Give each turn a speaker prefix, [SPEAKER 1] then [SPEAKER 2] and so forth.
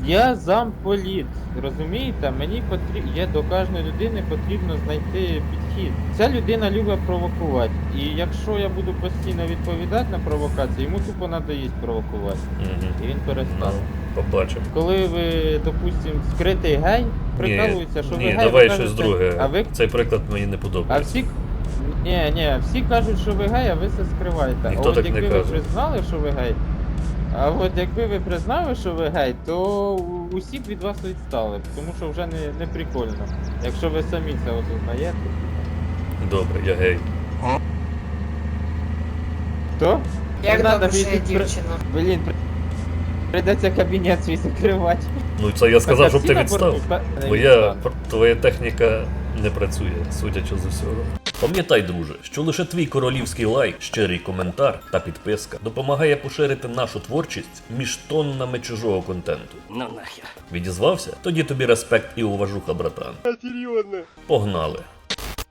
[SPEAKER 1] Я замполіт, розумієте? Мені потрібно, до кожної людини потрібно знайти підхід. Ця людина любить провокувати. І якщо я буду постійно відповідати на провокації, йому тупо надоїсть провокувати. І він перестане.
[SPEAKER 2] Побачимо.
[SPEAKER 1] Коли ви, допустим, скритий гей, прикалуються, що ви гей,
[SPEAKER 2] давай
[SPEAKER 1] ви
[SPEAKER 2] щось
[SPEAKER 1] кажете,
[SPEAKER 2] друге.
[SPEAKER 1] а ви...
[SPEAKER 2] Цей приклад мені не
[SPEAKER 1] А
[SPEAKER 2] подобається.
[SPEAKER 1] всі кажуть, що ви гей, а ви це скриваєте.
[SPEAKER 2] Ніхто
[SPEAKER 1] А от
[SPEAKER 2] так не
[SPEAKER 1] якби ви
[SPEAKER 2] каже.
[SPEAKER 1] признали, що ви гей, а от якби ви признали, що ви гей, то усі б від вас відстали, тому що вже не прикольно. Якщо ви самі це осознаєте.
[SPEAKER 2] Добре, я гей.
[SPEAKER 1] То?
[SPEAKER 3] Як
[SPEAKER 1] Не надо
[SPEAKER 3] добре, що я
[SPEAKER 1] більше
[SPEAKER 3] дівчина.
[SPEAKER 1] Блін, прийдеться кабінет свій закривати.
[SPEAKER 2] Ну це я сказав, щоб
[SPEAKER 1] всі
[SPEAKER 2] ти
[SPEAKER 1] на
[SPEAKER 2] відстав.
[SPEAKER 1] борту?
[SPEAKER 2] Твоя техніка не працює, судячи з усього. Пам'ятай, друже, що лише твій королівський лайк, щирий коментар та підписка допомагає поширити нашу творчість між тоннами чужого контенту.
[SPEAKER 4] Ну нахер.
[SPEAKER 2] Відізвався? Тоді тобі респект і уважуха, братан.
[SPEAKER 4] Серйозно.
[SPEAKER 2] Погнали.